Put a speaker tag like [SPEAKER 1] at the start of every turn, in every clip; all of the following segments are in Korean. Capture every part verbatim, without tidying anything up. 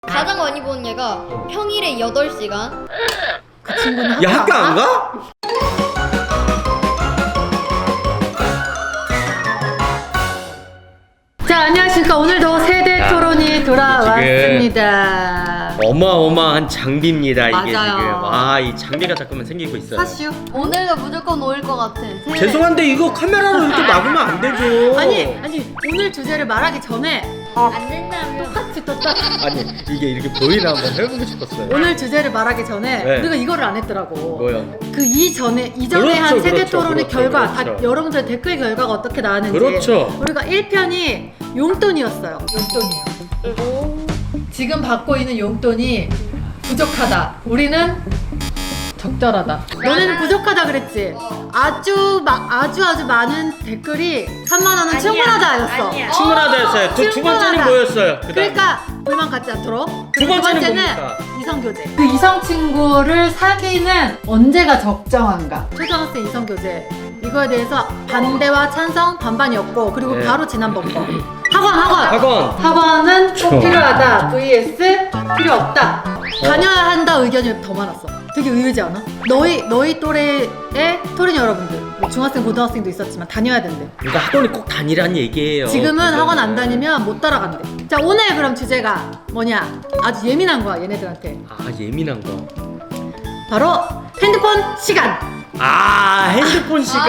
[SPEAKER 1] 가장 많이 보는 얘가 평일에 여덟 시간.
[SPEAKER 2] 그 친구는 학교
[SPEAKER 3] 야 학교 안 가?
[SPEAKER 2] 자, 안녕하십니까. 오늘도 세대 토론이 돌아왔습니다.
[SPEAKER 3] 어마어마한 장비입니다 이게.
[SPEAKER 2] 맞아요.
[SPEAKER 3] 지금 와이 장비가 자꾸만 생기고 있어요.
[SPEAKER 2] 사슈.
[SPEAKER 1] 오늘도 무조건 올 것 같아. 세-
[SPEAKER 3] 죄송한데 이거 카메라로 이렇게 막으면 안 되죠.
[SPEAKER 2] 아니, 아니, 오늘 주제를 말하기 전에
[SPEAKER 1] 안 된다며.
[SPEAKER 2] 똑같이 떴다.
[SPEAKER 3] 아니 이게 이렇게 보이나 한번 해보고 싶었어요.
[SPEAKER 2] 오늘 주제를 말하기 전에
[SPEAKER 3] 네.
[SPEAKER 2] 우리가 이거를 안 했더라고.
[SPEAKER 3] 뭐요?
[SPEAKER 2] 그 이전에 이전에
[SPEAKER 3] 그렇죠,
[SPEAKER 2] 한 세대
[SPEAKER 3] 그렇죠,
[SPEAKER 2] 토론의
[SPEAKER 3] 그렇죠,
[SPEAKER 2] 결과 다
[SPEAKER 3] 그렇죠.
[SPEAKER 2] 여러분들 댓글 결과가 어떻게 나왔는지.
[SPEAKER 3] 그렇죠.
[SPEAKER 2] 우리가 일 편이 용돈이었어요. 용돈이요. 지금 받고 있는 용돈이 부족하다. 우리는 적절하다. 너네는 부족하다 그랬지. 아주 마, 아주 아주 많은 댓글이 삼만 원은 충분하다였어.
[SPEAKER 1] 아니야.
[SPEAKER 3] 충분하다였어요. 두, 두 번째는
[SPEAKER 2] 충분하다.
[SPEAKER 3] 뭐였어요? 그다음.
[SPEAKER 2] 그러니까 불만 갖지 않도록.
[SPEAKER 3] 두
[SPEAKER 2] 그리고
[SPEAKER 3] 번째는 뭡니까?
[SPEAKER 2] 이성교제. 그 이성친구를 사귀는 언제가 적정한가? 초등학생 이성교제. 이거에 대해서 반대와 찬성 반반이었고, 그리고
[SPEAKER 3] 네.
[SPEAKER 2] 바로 지난번 거 학원 학원
[SPEAKER 3] 학원.
[SPEAKER 2] 학원은 꼭
[SPEAKER 3] 좋아.
[SPEAKER 2] 필요하다 vs 필요 없다. 다녀야 한다 의견이 더 많았어. 되게 의외지 않아? 너희 너희 또래의 토린 여러분들, 뭐 중학생 고등학생도 있었지만 다녀야 된대.
[SPEAKER 3] 그러니까 학원이 꼭 다니란 얘기예요.
[SPEAKER 2] 지금은
[SPEAKER 3] 그거는.
[SPEAKER 2] 학원 안 다니면 못 따라간대. 자, 오늘 그럼 주제가 뭐냐? 아주 예민한 거야 얘네들한테.
[SPEAKER 3] 아 예민한 거.
[SPEAKER 2] 바로 핸드폰 시간.
[SPEAKER 3] 아 핸드폰 시간.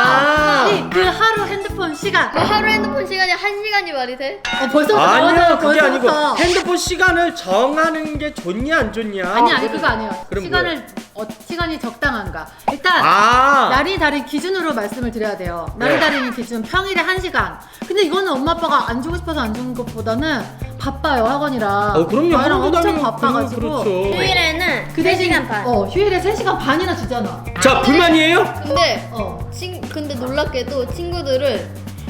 [SPEAKER 2] 아니, 그 하루 핸드폰 시간.
[SPEAKER 1] 뭐 하루 핸드폰 시간이 한 시간이 말이 돼?
[SPEAKER 2] 어, 벌써부터
[SPEAKER 3] 아니요
[SPEAKER 2] 나오잖아,
[SPEAKER 3] 그게 아니고
[SPEAKER 2] 벌써부터.
[SPEAKER 3] 핸드폰 시간을 정하는 게 좋냐 안 좋냐.
[SPEAKER 2] 아니 아니 그거 아니에요.
[SPEAKER 3] 그럼
[SPEAKER 2] 시간을 어, 시간이 적당한가? 일단
[SPEAKER 3] 아
[SPEAKER 2] 날이 다른 기준으로 말씀을 드려야 돼요. 날이
[SPEAKER 3] 네.
[SPEAKER 2] 다른 기준 평일에 한 시간. 근데 이거는 엄마 아빠가 안 주고 싶어서 안 주는 것보다는 바빠요 학원이라.
[SPEAKER 3] 어 그럼요.
[SPEAKER 2] 아이랑
[SPEAKER 3] 학원도
[SPEAKER 2] 엄청
[SPEAKER 3] 다니고
[SPEAKER 2] 바빠가지고.
[SPEAKER 3] 그렇죠.
[SPEAKER 1] 휴일에는
[SPEAKER 2] 그
[SPEAKER 1] 세
[SPEAKER 2] 대신
[SPEAKER 1] 시간 반.
[SPEAKER 2] 어 휴일에 세 시간 반이나 주잖아.
[SPEAKER 3] 자 불만이에요?
[SPEAKER 1] 근데
[SPEAKER 2] 어
[SPEAKER 1] 친 근데 놀랍게도 친구들은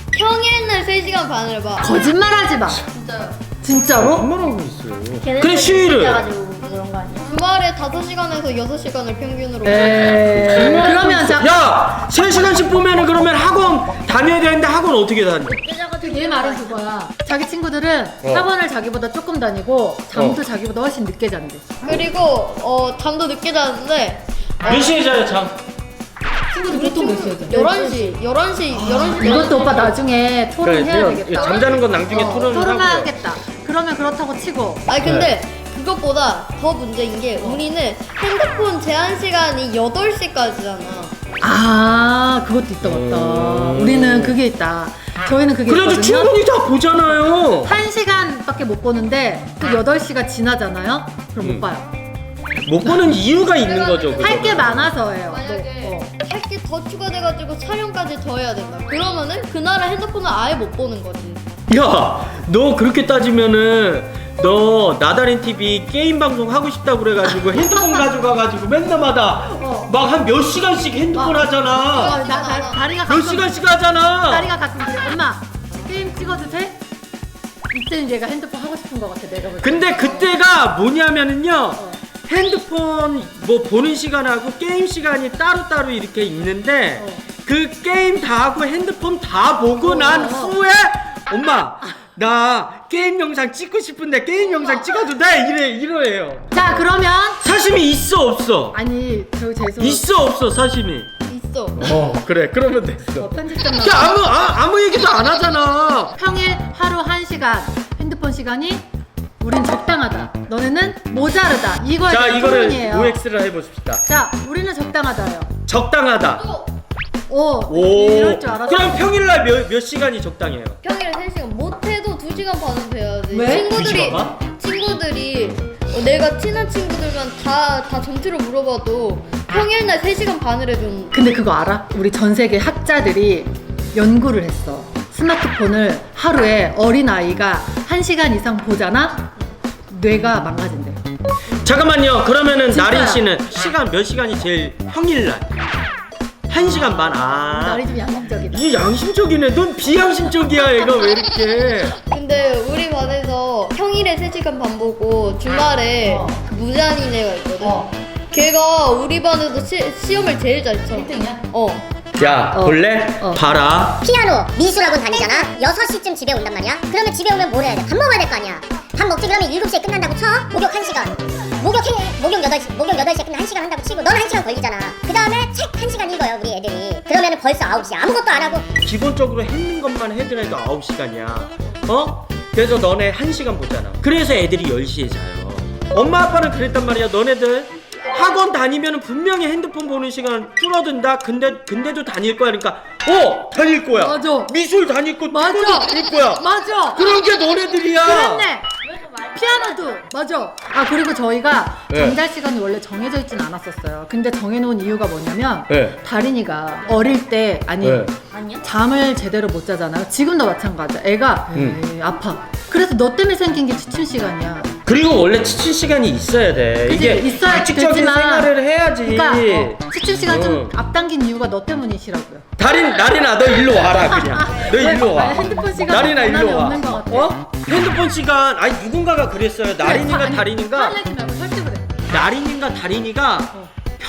[SPEAKER 1] 평일날 세 시간 반을 봐.
[SPEAKER 2] 거짓말하지 마.
[SPEAKER 1] 진짜요.
[SPEAKER 2] 진짜로?
[SPEAKER 3] 반말하고 있어요. 그래 휴일을.
[SPEAKER 1] 그런 거 아니야? 주말에 다섯 시간에서 여섯 시간을 평균으로.
[SPEAKER 2] 에 그러면 자.
[SPEAKER 3] 야! 세 시간씩 보면은 그러면 학원 다녀야 되는데 학원 어떻게 다녀?
[SPEAKER 2] 얘 말은 그거야. 자기 친구들은
[SPEAKER 3] 어.
[SPEAKER 2] 학원을 자기보다 조금 다니고 잠도 자기보다 훨씬 늦게 잔대.
[SPEAKER 1] 그리고 어 잠도 늦게 자는데
[SPEAKER 3] 몇 시에 자요 잠?
[SPEAKER 2] 친구들 보통 몇 시에 자?
[SPEAKER 1] 열한 시, 열한 시, 열한 시.
[SPEAKER 2] 이것도 오빠 나중에 토론해야
[SPEAKER 3] 그래,
[SPEAKER 2] 되겠다.
[SPEAKER 3] 잠자는 건 나중에
[SPEAKER 2] 어,
[SPEAKER 3] 토론을 하고요.
[SPEAKER 2] 토론하겠다. 그러면 그렇다고 치고
[SPEAKER 1] 아니 근데 그것보다 더 문제인 게 우리는 핸드폰 제한 시간이 여덟 시까지잖아.
[SPEAKER 2] 아 그것도 있다 맞다.
[SPEAKER 3] 음.
[SPEAKER 2] 우리는 그게 있다. 저희는 그게
[SPEAKER 3] 그래도
[SPEAKER 2] 있거든요.
[SPEAKER 3] 충분히 다 보잖아요.
[SPEAKER 2] 한 시간밖에 못 보는데 그 여덟 시가 지나잖아요. 그럼
[SPEAKER 3] 음.
[SPEAKER 2] 못 봐요.
[SPEAKER 3] 못 보는 이유가 있는 거죠.
[SPEAKER 2] 할 게
[SPEAKER 3] 그거는.
[SPEAKER 2] 많아서예요.
[SPEAKER 1] 만약에
[SPEAKER 2] 뭐, 어.
[SPEAKER 1] 할 게 더 추가돼가지고 촬영까지 더 해야 된다. 그러면은 그날은 핸드폰을 아예 못 보는 거지.
[SPEAKER 3] 야, 너 그렇게 따지면은 너 나다린 티비 게임 방송 하고 싶다고 그래가지고 핸드폰 가져가가지고 맨날마다
[SPEAKER 2] 어.
[SPEAKER 3] 막 한 몇 시간씩 핸드폰
[SPEAKER 2] 어,
[SPEAKER 3] 하잖아.
[SPEAKER 2] 나, 나, 다리가
[SPEAKER 3] 몇
[SPEAKER 2] 가끔
[SPEAKER 3] 시간씩 하잖아.
[SPEAKER 2] 다리가 가끔 그래. 엄마 게임 찍어도 돼? 이때는 얘가 핸드폰 하고 싶은 것 같아. 내가 볼 때.
[SPEAKER 3] 근데 그때가 뭐냐면은요.
[SPEAKER 2] 어.
[SPEAKER 3] 핸드폰 뭐 보는 시간하고 게임 시간이 따로따로 이렇게 있는데
[SPEAKER 2] 어.
[SPEAKER 3] 그 게임 다 하고 핸드폰 다 보고 난
[SPEAKER 2] 어.
[SPEAKER 3] 후에 엄마 나 게임 영상 찍고 싶은데 게임 영상 찍어도 돼? 이래 이러해요.
[SPEAKER 2] 자 그러면
[SPEAKER 3] 사심이 있어 없어?
[SPEAKER 2] 아니 저 죄송.
[SPEAKER 3] 있어 없어 사심이?
[SPEAKER 1] 있어.
[SPEAKER 3] 어 그래 그러면 됐어.
[SPEAKER 2] 어, 편집점
[SPEAKER 3] 야 아무 아, 아무 얘기도 안 하잖아.
[SPEAKER 2] 평일 하루 한 시간 핸드폰 시간이 우린 적당하다. 너네는 모자르다. 이거에
[SPEAKER 3] 자
[SPEAKER 2] 대한
[SPEAKER 3] 이거를
[SPEAKER 2] 토론이에요.
[SPEAKER 3] 오엑스를 해봅시다.
[SPEAKER 2] 자 우리는 적당하다요.
[SPEAKER 3] 적당하다.
[SPEAKER 1] 또
[SPEAKER 2] 오,
[SPEAKER 3] 오.
[SPEAKER 2] 이럴 줄 알았어.
[SPEAKER 3] 그럼 평일날 몇, 몇 시간이 적당해요?
[SPEAKER 1] 평일에 세 시간 못해도 두 시간 반은 돼야지.
[SPEAKER 2] 왜?
[SPEAKER 1] 친구들이
[SPEAKER 3] 두 시간
[SPEAKER 1] 친구들이 어, 내가 친한 친구들만 다 다 전체로 물어봐도 평일날 세 시간 반을 해준.
[SPEAKER 2] 근데 그거 알아? 우리 전 세계 학자들이 연구를 했어. 스마트폰을 하루에 어린 아이가 한 시간 이상 보잖아? 뇌가 망가진대.
[SPEAKER 3] 잠깐만요. 그러면은
[SPEAKER 2] 진짜야.
[SPEAKER 3] 나린 씨는 시간 몇 시간이 제일 평일날? 한 시간 반. 아.
[SPEAKER 2] 날이 좀 양심적이다.
[SPEAKER 3] 이게 양심적이네. 넌 비양심적이야. 얘가 왜 이렇게?
[SPEAKER 1] 근데 우리 반에서 평일에 세 시간 반 보고 주말에
[SPEAKER 2] 어.
[SPEAKER 1] 그 무잔인 애가 있거든.
[SPEAKER 2] 어.
[SPEAKER 1] 걔가 우리 반에서 시, 시험을 제일 잘 쳐.
[SPEAKER 2] 일 등이야?
[SPEAKER 1] 어.
[SPEAKER 3] 야
[SPEAKER 2] 어.
[SPEAKER 3] 볼래?
[SPEAKER 2] 어.
[SPEAKER 3] 봐라.
[SPEAKER 4] 피아노, 미술학원 다니잖아. 여섯 시쯤 집에 온단 말이야. 그러면 집에 오면 뭘 해야 돼? 밥 먹어야 될 거 아니야. 밥 먹지 그러면 일곱 시에 끝난다고 쳐? 목욕 한 시간. 목욕 해, 목욕 여덟 시, 목욕 여덟 시에 끝나 한 시간 한다고 치고 넌 한 시간 걸리잖아. 그 다음에 책 한 시간 읽어요, 우리 애들이. 그러면은 벌써 아홉 시. 아무것도 안 하고.
[SPEAKER 3] 기본적으로 했는 것만 해더라도 아홉 시간이야. 어? 그래서 너네 한 시간 보잖아. 그래서 애들이 열 시에 자요. 엄마 아빠는 그랬단 말이야. 너네들 학원 다니면 분명히 핸드폰 보는 시간 줄어든다. 근데 근데도 다닐 거야. 그러니까 어 다닐 거야.
[SPEAKER 2] 맞아.
[SPEAKER 3] 미술 다닐 거,
[SPEAKER 2] 맞아.
[SPEAKER 3] 태권도 다닐 거야.
[SPEAKER 2] 맞아.
[SPEAKER 3] 그런 게 너네들이야.
[SPEAKER 2] 그랬네. 피아노도 맞아. 아 그리고 저희가
[SPEAKER 3] 네.
[SPEAKER 2] 잠잘 시간이 원래 정해져 있진 않았었어요. 근데 정해놓은 이유가 뭐냐면
[SPEAKER 3] 네.
[SPEAKER 2] 다린이가 어릴 때 아니
[SPEAKER 3] 네.
[SPEAKER 2] 잠을 제대로 못 자잖아요. 지금도 마찬가지야. 애가
[SPEAKER 3] 음.
[SPEAKER 2] 에이, 아파. 그래서 너 때문에 생긴 게 취침 시간이야.
[SPEAKER 3] 그리고 원래 치칠 시간이 있어야 돼.
[SPEAKER 2] 그치,
[SPEAKER 3] 이게
[SPEAKER 2] 있어야
[SPEAKER 3] 규칙적인
[SPEAKER 2] 되지만
[SPEAKER 3] 생활을 해야지.
[SPEAKER 2] 그러니까 어, 취침 시간 좀
[SPEAKER 3] 응.
[SPEAKER 2] 앞당긴 이유가 너 때문이시라고요.
[SPEAKER 3] 다린 나린아 너 일로 와라 그냥. 너 일로 와.
[SPEAKER 2] 아니, 핸드폰 시간
[SPEAKER 3] 나린아 일로 와.
[SPEAKER 2] 없는 것 같아.
[SPEAKER 3] 어? 핸드폰 시간 아니 누군가가 그랬어요. 나린이가
[SPEAKER 2] 아니,
[SPEAKER 3] 다린이가
[SPEAKER 2] 화내지 말고 설득을 해.
[SPEAKER 3] 나린이가 다린이가
[SPEAKER 2] 어.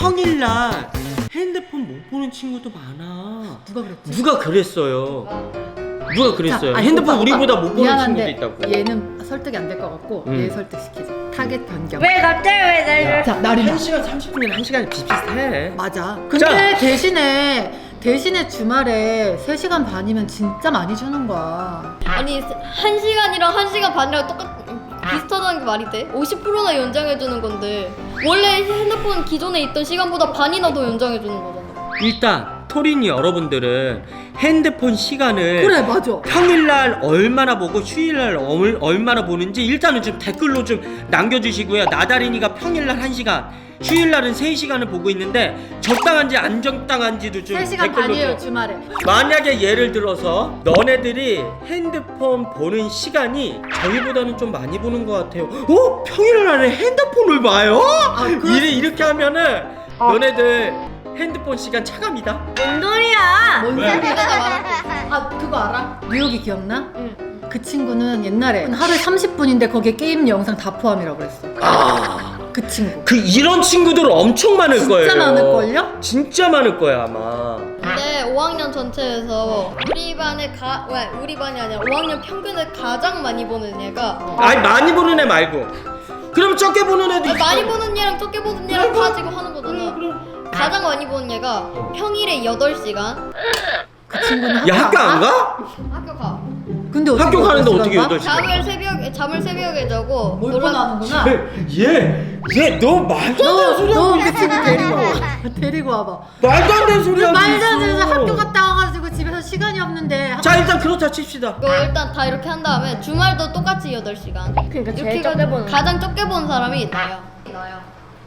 [SPEAKER 3] 평일날 핸드폰 못 보는 친구도 많아.
[SPEAKER 2] 누가 그랬지?
[SPEAKER 3] 누가 그랬어요. 누가 그랬어요.
[SPEAKER 2] 자, 아니,
[SPEAKER 3] 핸드폰
[SPEAKER 2] 오빠,
[SPEAKER 3] 우리보다
[SPEAKER 2] 오빠,
[SPEAKER 3] 못 보는
[SPEAKER 2] 미안한데
[SPEAKER 3] 친구도 있다고.
[SPEAKER 2] 얘는 설득이 안 될 것 같고
[SPEAKER 3] 음.
[SPEAKER 2] 얘 설득시키자. 타겟 변경.
[SPEAKER 1] 왜 갑자기 왜 나를?
[SPEAKER 2] 자 나린아.
[SPEAKER 3] 한 시간 삼십 분이나 한 시간이 비슷비슷해.
[SPEAKER 2] 맞아. 근데 대신에 대신에 주말에 세 시간 반이면 진짜 많이 주는 거야.
[SPEAKER 1] 아니 한 시간이랑 한 시간 반이랑 똑같 비슷하다는 게 말이 돼? 오십 퍼센트나 연장해 주는 건데 원래 핸드폰 기존에 있던 시간보다 반이나 더 연장해 주는 거잖아.
[SPEAKER 3] 일단 토린이 여러분들은 핸드폰 시간을
[SPEAKER 2] 그래 맞아.
[SPEAKER 3] 평일날 얼마나 보고 휴일날 얼, 얼마나 보는지 일단은 좀 댓글로 좀 남겨주시고요. 나다린이가 평일날 한 시간, 휴일날은 세 시간을 보고 있는데 적당한지 안 적당한지도 좀
[SPEAKER 2] 세 시간
[SPEAKER 3] 댓글로
[SPEAKER 2] 반이에요
[SPEAKER 3] 좀.
[SPEAKER 2] 주말에.
[SPEAKER 3] 만약에 예를 들어서 너네들이 핸드폰 보는 시간이 저희보다는 좀 많이 보는 것 같아요. 어? 평일날에 핸드폰을 봐요?
[SPEAKER 2] 아, 그럴
[SPEAKER 3] 이래, 이렇게 하면은 너네들 핸드폰 시간 차갑니다.
[SPEAKER 1] 뭔 소리야?
[SPEAKER 2] 뭔
[SPEAKER 3] 왜?
[SPEAKER 2] 소리야?
[SPEAKER 1] 내가 말할게.
[SPEAKER 2] 아 그거 알아? 뉴욕이 기억나?
[SPEAKER 1] 응.
[SPEAKER 2] 그 친구는 옛날에 하루에 삼십 분인데 거기에 게임 영상 다 포함이라고 그랬어.
[SPEAKER 3] 아,
[SPEAKER 2] 그 친구.
[SPEAKER 3] 그 이런 친구들 엄청 많을
[SPEAKER 2] 진짜
[SPEAKER 3] 거예요.
[SPEAKER 2] 많을걸요?
[SPEAKER 3] 진짜 많을 거야 아마.
[SPEAKER 1] 근데 오 학년 전체에서 우리 반에 가, 왜 우리 반이 아니라 오 학년 평균을 가장 많이 보는 얘가
[SPEAKER 3] 아니 많이 보는 애 말고. 그럼 적게 보는 애도
[SPEAKER 1] 아니,
[SPEAKER 3] 있어.
[SPEAKER 1] 많이 보는 얘랑 적게 보는 얘랑 다 지금 하는 거잖아. 가장 많이 보는 얘가 평일에 여덟 시간
[SPEAKER 2] 그 친구는 학교,
[SPEAKER 3] 야 학교 안 가?
[SPEAKER 1] 학교 가.
[SPEAKER 2] 근데 어떻게
[SPEAKER 3] 학교 가는데
[SPEAKER 2] 여덟
[SPEAKER 3] 어떻게
[SPEAKER 2] 시간
[SPEAKER 3] 여덟
[SPEAKER 2] 가?
[SPEAKER 3] 시간?
[SPEAKER 1] 잠을 새벽에 잠을 새벽에 자고
[SPEAKER 2] 몰고
[SPEAKER 1] 놀아-
[SPEAKER 2] 나오는구나.
[SPEAKER 3] 얘, 얘 너 말도 안 되는 소리
[SPEAKER 2] 너
[SPEAKER 3] 하고
[SPEAKER 2] 그
[SPEAKER 3] 있어.
[SPEAKER 2] 친구 데리고 와. 데리고 와봐.
[SPEAKER 3] 말도 안 되는 소리 하고
[SPEAKER 2] 말도 안 되는
[SPEAKER 3] 있어.
[SPEAKER 2] 학교 갔다 와가지고 집에서 시간이 없는데.
[SPEAKER 3] 자 일단 그렇다 칩시다.
[SPEAKER 1] 그거 일단 다 이렇게 한 다음에 주말도 똑같이 여덟 시간.
[SPEAKER 5] 그러니까 제일
[SPEAKER 1] 이렇게
[SPEAKER 5] 적게 보는
[SPEAKER 1] 가장 적게 본 사람이 나야. 나야.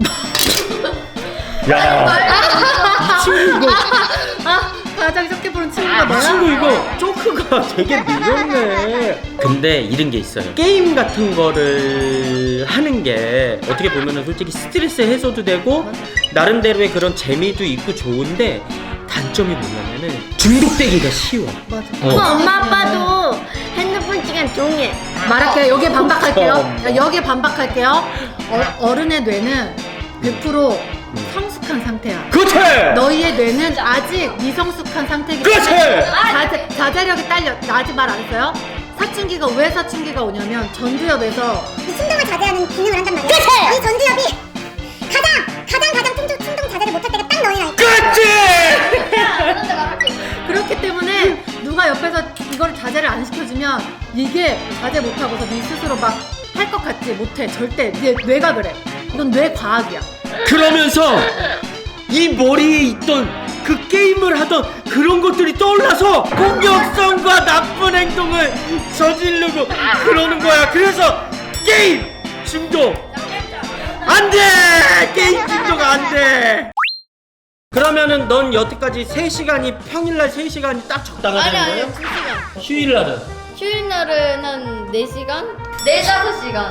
[SPEAKER 3] 야, 이 친구 이거,
[SPEAKER 2] 아 가장 적게 보는 친구가
[SPEAKER 3] 이
[SPEAKER 2] 너야?
[SPEAKER 3] 친구 이거 조크가 되게 느렸네. 근데 이런 게 있어요. 게임 같은 거를 하는 게 어떻게 보면은 솔직히 스트레스 해소도 되고 나름대로의 그런 재미도 있고 좋은데 단점이 뭐냐면은 중독되기가 쉬워.
[SPEAKER 2] 맞아.
[SPEAKER 3] 어.
[SPEAKER 5] 엄마 아빠도 핸드폰 시간 종일
[SPEAKER 2] 말할게요. 여기에 반박할게요.
[SPEAKER 3] 어.
[SPEAKER 2] 여기에 반박할게요. 어, 어른의 뇌는 백 퍼센트 성숙한 상태야.
[SPEAKER 3] 그렇지.
[SPEAKER 2] 너희의 뇌는 아직 미성숙한 상태이기
[SPEAKER 3] 그렇지!
[SPEAKER 2] 자제, 자제력이 딸려. 나 아직 말 안 했어요? 사춘기가 왜 사춘기가 오냐면 전두엽에서
[SPEAKER 4] 충동을 자제하는 기능을 한단 말이야. 이 전두엽이 가장 가장 가장 충동, 충동 자제를 못할 때가 딱 너희 나이.
[SPEAKER 3] 그렇지.
[SPEAKER 1] 그런데 말할게.
[SPEAKER 2] 그렇기 때문에 누가 옆에서 이걸 자제를 안 시켜주면 이게 자제 못하고서 네 스스로 막 할 것 같지 못해. 절대 네 뇌가 그래. 이건 뇌 과학이야.
[SPEAKER 3] 그러면서 이 머리에 있던 그 게임을 하던 그런 것들이 떠올라서 공격성과 나쁜 행동을 저지르고 그러는 거야. 그래서 게임 중독 안 돼! 게임 중독 안 돼! 그러면은 넌 여태까지 세 시간이 평일날 세 시간이 딱
[SPEAKER 1] 아니
[SPEAKER 3] 적당하다는
[SPEAKER 1] 아니
[SPEAKER 3] 거예요?
[SPEAKER 1] 두 시간.
[SPEAKER 3] 휴일날은?
[SPEAKER 1] 휴일 날은 한 네 시간? 네 다섯 시간.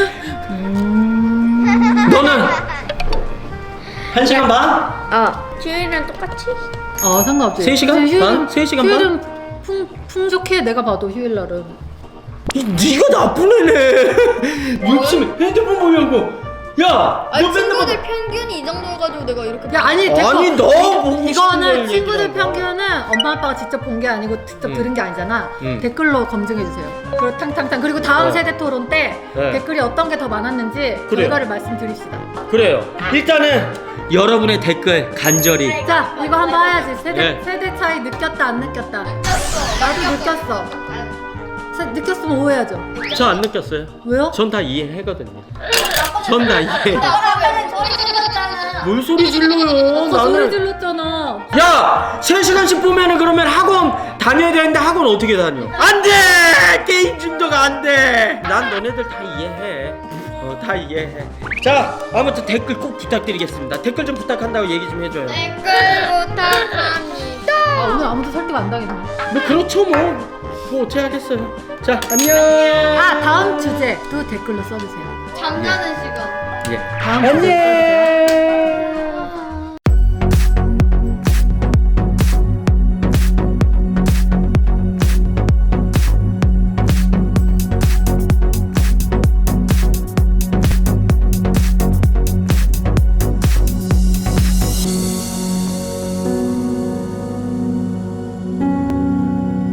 [SPEAKER 3] 너는 한 시간 반?
[SPEAKER 5] 어 휴일이랑 똑같이
[SPEAKER 2] 어 상관없지.
[SPEAKER 3] 세 시간
[SPEAKER 2] 휴일은-
[SPEAKER 3] 반? 세 시간 반?
[SPEAKER 2] 휴일은 풍, 풍족해. 내가 봐도 휴일날은.
[SPEAKER 3] 이, 네가 나쁜 애네. 요즘 핸드폰 보려고 야,
[SPEAKER 1] 아니
[SPEAKER 3] 너 맨날
[SPEAKER 1] 친구들 평균이 이 정도여가지고 내가 이렇게.
[SPEAKER 2] 야 아니 댓글,
[SPEAKER 3] 아니, 너 보고 싶은
[SPEAKER 2] 이거는
[SPEAKER 3] 걸
[SPEAKER 2] 친구들
[SPEAKER 3] 얘기하는 거야.
[SPEAKER 2] 평균은 엄마 아빠가 직접 본 게 아니고 직접
[SPEAKER 3] 음.
[SPEAKER 2] 들은 게 아니잖아.
[SPEAKER 3] 음.
[SPEAKER 2] 댓글로 검증해 주세요. 그리고 탕탕탕 그리고 다음
[SPEAKER 3] 어.
[SPEAKER 2] 세대 토론 때
[SPEAKER 3] 네.
[SPEAKER 2] 댓글이 어떤 게 더 많았는지
[SPEAKER 3] 그래요.
[SPEAKER 2] 결과를 말씀드립시다.
[SPEAKER 3] 그래요. 일단은 여러분의 댓글 간절히.
[SPEAKER 2] 자 이거 한번 해야지. 세대
[SPEAKER 3] 네.
[SPEAKER 2] 세대 차이 느꼈다 안 느꼈다. 나도 느꼈어. 세, 느꼈으면 오해하죠.
[SPEAKER 3] 저 안 느꼈어요.
[SPEAKER 2] 왜요?
[SPEAKER 3] 전 다 이해하거든요. 전 다 이해.
[SPEAKER 1] 아빠는 소리 질렀잖아.
[SPEAKER 3] 뭘 소리 질러요?
[SPEAKER 2] 아까 소리
[SPEAKER 3] 나는.
[SPEAKER 2] 질렀잖아.
[SPEAKER 3] 야! 세 시간씩 보면은 그러면 학원 다녀야 되는데 학원 어떻게 다녀? 안 돼! 게임 중독 안 돼! 난 너네들 다 이해해. 어, 다 이해해. 자, 아무튼 댓글 꼭 부탁드리겠습니다. 댓글 좀 부탁한다고 얘기 좀 해줘요.
[SPEAKER 1] 댓글 부탁합니다.
[SPEAKER 2] 아, 오늘 아무도 설득 안 당했네.
[SPEAKER 3] 뭐 그렇죠 뭐. 뭐 어떻게 하겠어요. 자, 안녕.
[SPEAKER 2] 아 다음 주제도 댓글로 써주세요.
[SPEAKER 1] 잠자는 시간.
[SPEAKER 3] 예.
[SPEAKER 2] 다음
[SPEAKER 3] 안녕.